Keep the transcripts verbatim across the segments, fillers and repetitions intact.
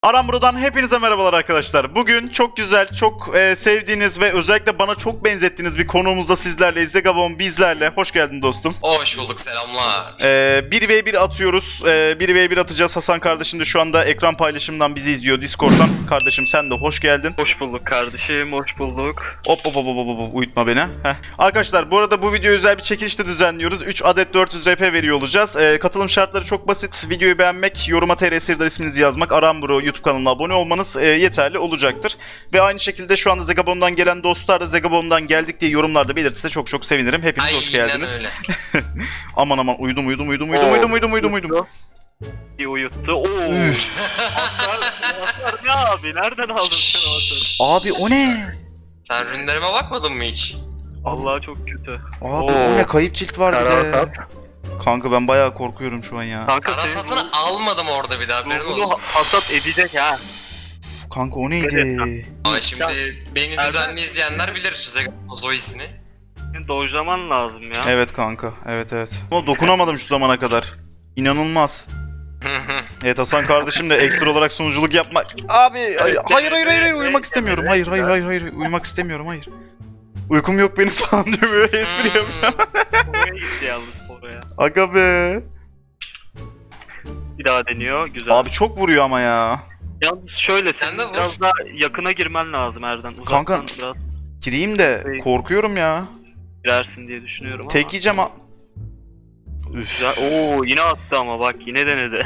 Aramburu'dan hepinize merhabalar arkadaşlar. Bugün çok güzel, çok e, sevdiğiniz ve özellikle bana çok benzettiğiniz bir konuğumuzda sizlerle, Zegabon bizlerle. Hoş geldin dostum. Hoş bulduk, selamlar. E, bir ve bir atıyoruz. E, bir ve bir atacağız. Hasan kardeşim de şu anda ekran paylaşımından bizi izliyor Discord'dan. Kardeşim sen de hoş geldin. Hoş bulduk kardeşim, hoş bulduk. Hop hop hop hop hop hop, uyutma beni. Heh. Arkadaşlar bu arada bu video özel bir çekilişte düzenliyoruz. üç adet dört yüz R P veriyor olacağız. E, katılım şartları çok basit. Videoyu beğenmek, yoruma T R Sırdar isminizi yazmak, Aramburu YouTube kanalına abone olmanız e, yeterli olacaktır. Ve aynı şekilde şu anda Zegabon'dan gelen dostlar da Zegabon'dan geldik diye yorumlarda belirtirse çok çok sevinirim. Hepiniz Aynen hoş geldiniz. öyle. Aman aman uyudum uyudum uyudum uyudum uyudum uyudum uyudum uyudum. Bir uyuttu. Oo. Atlar, atlar ne abi? Nereden aldın sen o atları? Abi o ne? Sen rünlerime bakmadın mı hiç? Allah çok kötü. Abi Oo. o ne? Kayıp cilt var bir de. Karasat. Kanka ben bayağı korkuyorum şu an ya. Kanka Kara senin satını almadım orada bir daha, haberin bunu olsun. hasat edecek ha. Kanka o Evet, neydi? Ama şimdi beni Erdem- düzenli izleyenler bilir Zegabon Zoe'sini. Senin dojlaman lazım ya. Evet kanka. Evet evet. Ama dokunamadım şu zamana kadar. İnanılmaz. Evet Hasan kardeşim de ekstra olarak sunuculuk yapmak. Abi hayır hayır hayır, hayır uyumak istemiyorum. Hayır hayır hayır hayır uyumak istemiyorum hayır. Uykum yok benim falan diyor böyle espri yapacağım. Oraya gitti yalnız oraya. Aga be. Bir daha deniyor. Güzel. Abi çok vuruyor ama ya. Yalnız şöyle Sen sen de vur. biraz daha yakına girmen lazım Erden. Uzaktan Kanka- biraz Gireyim de korkuyorum ya. girersin diye düşünüyorum ama. Tek yiyeceğim ha. Üf. Güzel. Oo yine attı ama bak yine denedi.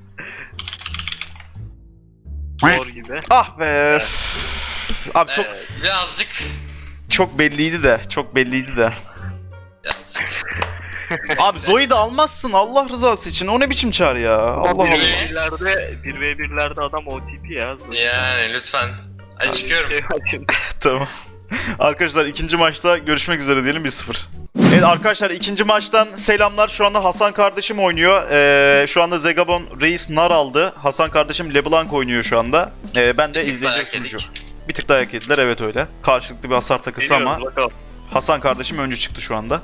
Zor gibi. Ah be. Abi çok Evet, birazcık... çok belliydi de. Çok belliydi de. Birazcık... Abi Zoe'yi de almazsın Allah rızası için. O ne biçim çağır ya? Allah Allah. bir ve birlerde bir ve birlerde adam O T P ya. Yani lütfen. Hadi çıkıyorum. Tamam. Arkadaşlar ikinci maçta görüşmek üzere diyelim bir sıfır. Evet arkadaşlar ikinci maçtan selamlar. Şu anda Hasan kardeşim oynuyor. Ee, şu anda Zegabon Reis nar aldı. Hasan kardeşim LeBlanc oynuyor şu anda. Ee, ben de Bir tık izleyici dayak sunucu. yedik. Bir tık dayak yediler evet öyle. Karşılıklı bir hasar takısı ama Hasan kardeşim öncü çıktı şu anda.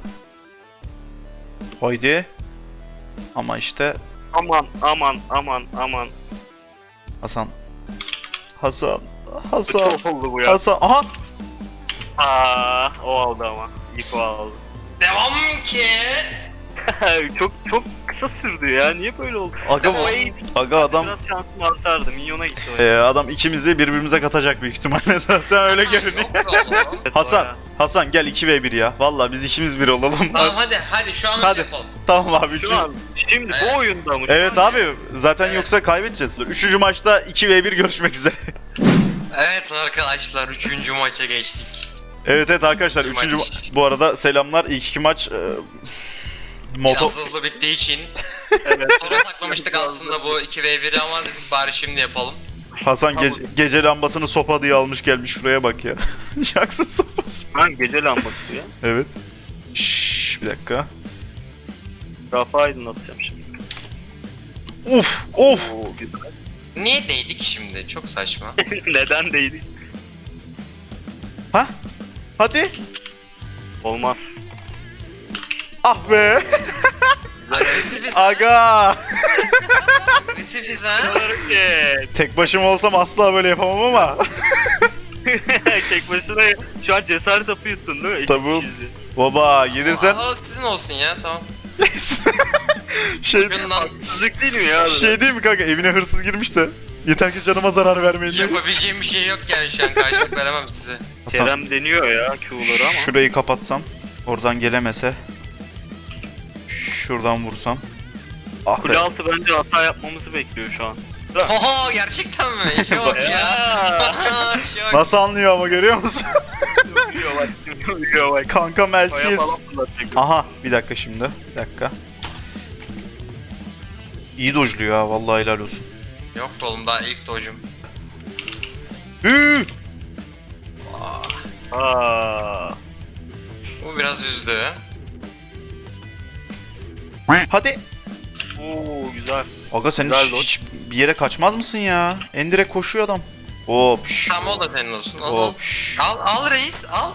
Haydi. Ama işte Aman aman aman aman. Hasan. Hasan. Hasan. Çok oldu bu ya. Hasan. Aha. Aa, o aldı ama. İlk o aldı. Devam ki. çok çok kısa sürdü ya. Niye böyle oldu? Aga, Ama iyi. aga adam Biraz şansım artardı. Minyona gitti o. Ee, adam ikimizi birbirimize katacak büyük ihtimalle zaten öyle görünüyor. Yok be oğlum. Hasan, Hasan gel iki ve bir ya. Vallahi biz ikimiz bir olalım. Tamam hadi hadi şu an Hadi. öyle yapalım. Tamam abi. Üçü... Şu an şimdi Evet. bu oyunda mı? Şu Evet an- abi zaten Evet. yoksa kaybedeceğiz. Üçüncü maçta iki ve bir görüşmek üzere. Evet arkadaşlar, üçüncü maça geçtik. Evet evet arkadaşlar İki üçüncü maç. ma- bu arada selamlar. İlk iki maç e... moto... Biraz hızlı bittiği için. Evet. Sonra saklamıştık aslında bu iki ve biri ama dedik bari şimdi yapalım. Hasan ge- gece lambasını sopa diye almış gelmiş şuraya bak ya. Yaksın sopası. Lan gece lambası bu ya. Evet. Şşş bir dakika. Rafa aydınlatacağım şimdi. Uf of. Oo güzel. Niye değdik şimdi? Çok saçma. Neden değdik? Ha? Hadi. Olmaz. Ah be. Agresifiz. Aga. Agresifiz ha. Hareket. Tek başıma olsam asla böyle yapamam ama. Tek başına şu an cesaret hapı yuttun değil mi? İki Tabii. kişiyiz. Baba gelirsen Aa, sizin olsun ya, tamam. şey Bundan Haksızlık değil mi ya? şey değil mi kanka evine hırsız girmiş de yeter ki canıma zarar vermeyin diye. yapabileceğim bir şey yok yani, şu an karşılık veremem size. Hasan, Kerem deniyor ya Q'ları ama. şurayı kapatsam oradan gelemese şuradan vursam. Ah be. Kule altı bence hata yapmamızı bekliyor şu an. Oho, gerçekten mi? İşe bak ya. Ya. İşe bak. Nasıl anlıyor ama görüyor musun? Uyuyor bak, uyuyor bak. Kanka Kaya Melsiz. falan fırlatacak. Aha bir dakika şimdi. Bir dakika. İyi dojluyor ha vallahi helal olsun. Yok be oğlum, daha ilk dojum. Hüüü. Aa. Bu biraz üzdü. Hadi. Oo güzel. Aga sen Güzel hiç, doj. hiç bir yere kaçmaz mısın ya? En direkt koşuyor adam. Hop. şş, Tamam, o da senin olsun. Al, al. Hop. şş. al, al reis, al.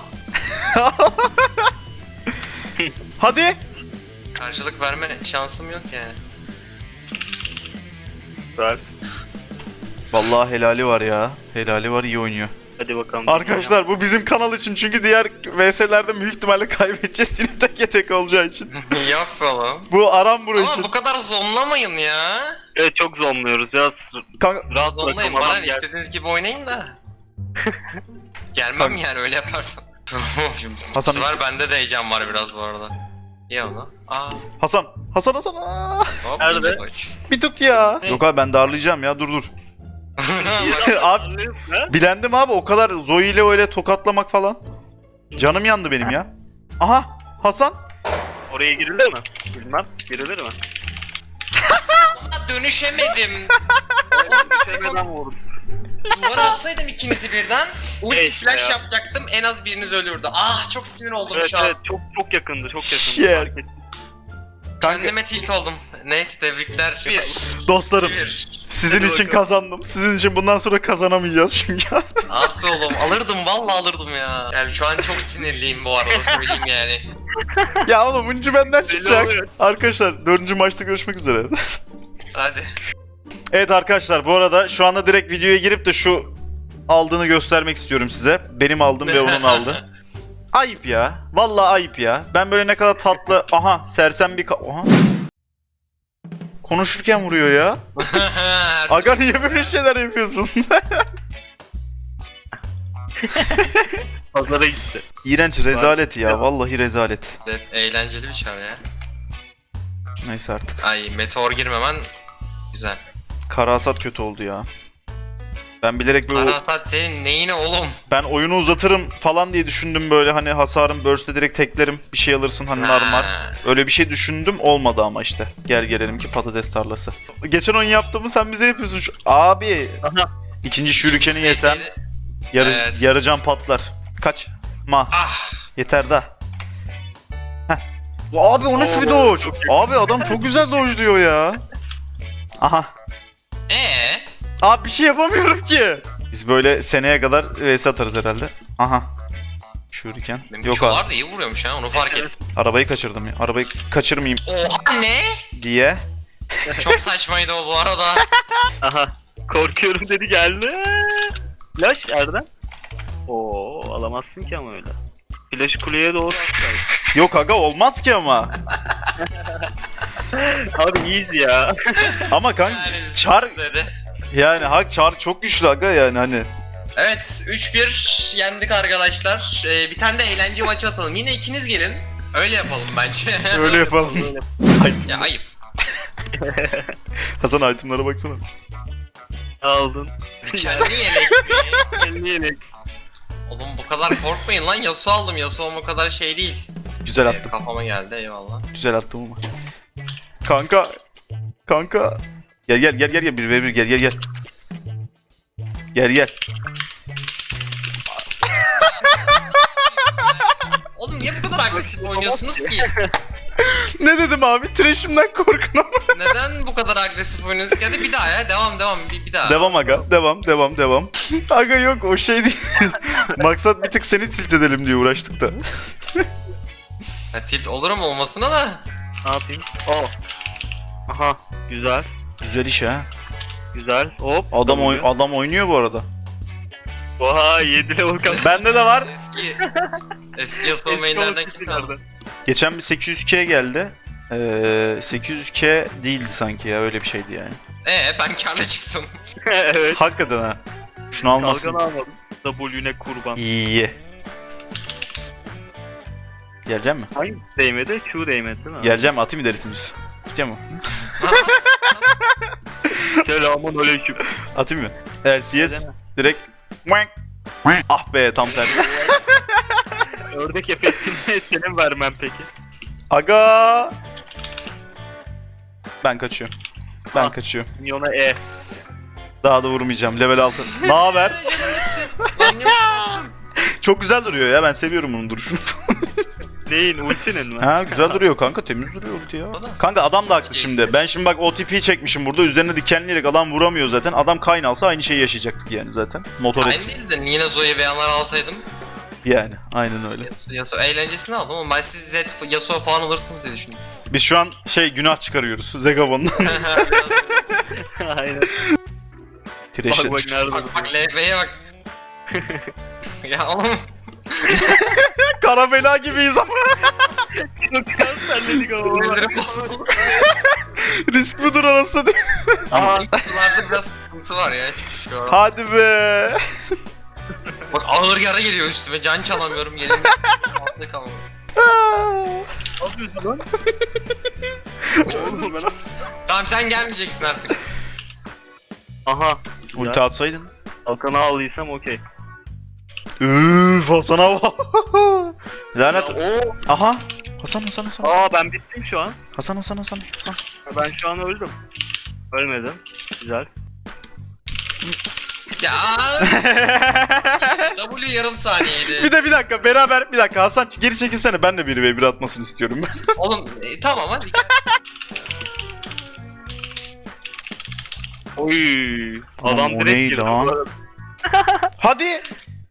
Hadi. Karşılık verme şansım yok yani. Güzel. Vallahi helali var ya. Helali var, iyi oynuyor. Hadi bakalım. Arkadaşlar bu bizim kanal için, çünkü diğer V S'lerde büyük ihtimalle kaybedeceğiz yine tek tek olacağı için. Yok oğlum. Bu aram burası Ama için. bu kadar zonlamayın ya. Evet, çok zonluyoruz. Biraz Kanka, rahat Zonlayın bırakalım bana adam gel. istediğiniz gibi oynayın da. Gelmem Kanka. yani öyle yaparsan. Bu Hasan- sefer bende de heyecan var biraz bu arada. İyi onu. Aa, Hasan. Hasan Hasan. Aa, hop, Nerede? ince koç. bir tut ya. Ne? Yok abi, ben darlayacağım ya, dur dur. Abi Ha? bilendim abi, o kadar Zoe ile öyle tokatlamak falan. Canım yandı benim ya. Aha, Hasan. Oraya girilir mi? Bilmem. Girilir mi? Aa, dönüşemedim. Düşemeden vurdum. Duvara atsaydım ikinizi birden. Ulti Evet flash ya. yapacaktım, en az biriniz ölürdü. Ah, çok sinir oldum Evet şu an. evet, çok çok yakındı, çok yakındı. Shit. Fark ettim. Kanka, Kendime tilt oldum. Neyse, tebrikler. Bir. dostlarım, Bir. sizin Hadi için bakalım. kazandım. Sizin için bundan sonra kazanamayacağız çünkü. Ah be oğlum, alırdım, vallahi alırdım ya. Yani şu an çok sinirliyim bu arada, söyleyeyim yani. Ya oğlum, uncu benden Belli çıkacak. oluyor. Arkadaşlar dördüncü maçta görüşmek üzere. Hadi. Evet arkadaşlar, bu arada şu anda direkt videoya girip de şu aldığını göstermek istiyorum size. Benim aldım ve onun aldı. Ayıp ya. Vallahi ayıp ya. Ben böyle ne kadar tatlı... Aha, sersem bir... ka- Aha. Konuşurken vuruyor ya. Aga niye böyle şeyler yapıyorsun? Pazara gitti. İğrenç, rezalet ya. Vallahi rezalet. Evet, eğlenceli bir çağ ya. Neyse artık. Ay, meteor girmemen güzel. Karasat kötü oldu ya. Ben bilerek böyle... Arasat senin neyine oğlum? Ben oyunu uzatırım falan diye düşündüm, böyle hani hasarım burst'e direkt teklerim, bir şey alırsın hani narmar. Ha. Öyle bir şey düşündüm, olmadı ama işte. Gel gelelim ki patates tarlası. Geçen oyun yaptığımı sen bize yapıyorsun. Şu- Abi. Aha. İkinci şürükeni yesem Neyse. yarı, Evet. yarı can patlar. Kaç. Ma. Ah. Yeter da. Heh. Abi o nasıl bir Oo, dodge? çok Abi adam çok güzel dodge diyor ya. Aha. Ee? Abi bir şey yapamıyorum ki. Biz böyle seneye kadar vs atarız herhalde. Aha. Şuriken. Benim Yok abi. çoğlar da iyi vuruyormuş ha, onu fark ettim. Arabayı kaçırdım ya. Arabayı kaçırmayayım Oha, ne? diye. Çok saçmaydı o bu arada. Aha. Korkuyorum dedi, geldi. Flash Erdem. Oo, alamazsın ki ama öyle. Flash kuleye doğru atlar. Yok aga, olmaz ki ama. Abi iyiyiz ya. Ama kanka Yani çar zede. yani hak çar çok güçlü aga, yani hani. Evet, üç bir yendik arkadaşlar. Ee, bir tane de eğlence maçı atalım. Yine ikiniz gelin. Öyle yapalım bence. Öyle yapalım. Ya ayıp. Hasan, itemlara baksana. Aldın. Kendi yelek mi? Elli yelek. Oğlum bu kadar korkmayın lan, Yasuo aldım. Yasuo'm o kadar şey değil. Güzel Ee, attım. kafama geldi, eyvallah. Güzel attım ama. Kanka. Kanka. Gel gel gel gel gel, bir ve bir gel gel gel. Gel gel. Oğlum niye bu kadar agresif oynuyorsunuz ki? Ne dedim abi? Trash'imden korkun ama. Neden bu kadar agresif oynuyorsunuz? Hadi bir daha ya, devam devam, bir, bir daha. Devam aga. Devam devam devam. Aga yok, o şey değil. Maksat bir tık seni tilt edelim diye uğraştık da. Ha, tilt olurum olmasına da. Ne yapayım? Oo. Aha. Güzel. Güzel iş ha. Güzel. Hop. Adam oy adam oynuyor bu arada. Oha, yedi level kas. Bende de var. Eski eski Yasuo mainlerden kim kaldı? Geçen bir sekiz yüz K geldi. Ee, sekiz yüz K değildi sanki ya, öyle bir şeydi yani. Ee ben karlı çıktım. Evet. Hakikaten ha. Şunu almasın. Kalkanı almadım. W'ne kurban. İyi. Geleceğim mi? Hangi değmedi? Q değmedi değil mi? Geleceğim mi? Atayım ilerisini. İstiyor mu? Selamun aleyküm. Atayım mı? L C S direkt. Ah be, tam tersi. Ördek efektini senin vermem peki. Aga. Ben kaçıyorum. Ben Ah. kaçıyorum. Minyona E. Daha da vurmayacağım. Level altı. Ne haber? Lan yok bastın. Çok güzel duruyor ya. Ben seviyorum bunun duruşunu. Neyin? Ultinin mi? Ha, güzel duruyor kanka. Temiz duruyor ulti ya. Kanka adam da haklı şimdi. Ben şimdi bak O T P çekmişim burada. Üzerine dikenleyerek adam vuramıyor zaten. Adam kayn alsa aynı şeyi yaşayacaktık yani zaten. Motor et. Aynı değil de yine Zoe beyanlar alsaydım. Yani aynen öyle. Yasuo, Yasuo eğlencesini aldım ama ben siz Zed, Yasuo falan alırsınız diye düşündüm. Biz şu an şey günah çıkarıyoruz Zegabon'dan. Aynen. Crash'e. Bak bak nerede? Bak bak L B'ye bak. Ya oğlum. Kara bela gibiyiz ama. Çok kanserledik ama. Sinirlerim bozuldu. Risk budur anasını. Aha. Kutularda biraz sıkıntı var ya. Şu an. Hadi be. Bak ağır yara geliyor üstüme. Can çalamıyorum. Yerim altında kalmıyor. Ne yapıyorsun lan? Oğlum ben... Tamam sen gelmeyeceksin artık. Aha. Ulti atsaydın. Hakan'ı aldıysam okey. Üf Hasan'a bak. Lanet. Oo. Aha. Hasan Hasan Hasan. Aa ben bittim şu an. Hasan Hasan Hasan. Hasan. Ben şu an öldüm. Ölmedim. Güzel. Ya W yarım saniyeydi. Bir de bir dakika beraber bir dakika Hasan geri çekilsene ben de bir ve bir atmasını istiyorum ben. Oğlum e, tamam hadi gel. Oy. Lan Adam o direkt neydi girdi. lan? bu arada. Hadi.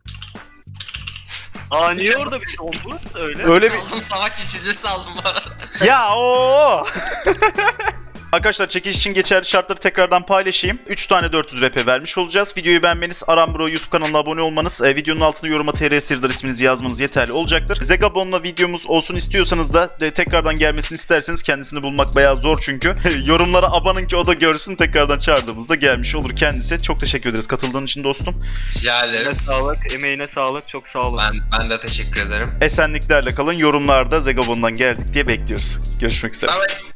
Aa niye orada bir şey oldu? Öyle. Öyle bir Oğlum savaşçı çizgisi aldım bu arada. ya o. Arkadaşlar çekiliş için geçerli şartları tekrardan paylaşayım. üç tane dört yüz R P vermiş olacağız. Videoyu beğenmeniz, Arambro YouTube kanalına abone olmanız, e, videonun altına yoruma T R Sirdar isminizi yazmanız yeterli olacaktır. Zegabon'la videomuz olsun istiyorsanız da e, tekrardan gelmesini isterseniz kendisini bulmak bayağı zor çünkü. Yorumlara abanın ki o da görsün tekrardan çağırdığımızda gelmiş olur kendisi. Çok teşekkür ederiz katıldığın için dostum. Rica ederim. Eline sağlık, emeğine sağlık. Çok sağ olun. Ben, ben de teşekkür ederim. Esenliklerle kalın. Yorumlarda Zegabon'dan geldik diye bekliyoruz. Görüşmek üzere. Bye bye.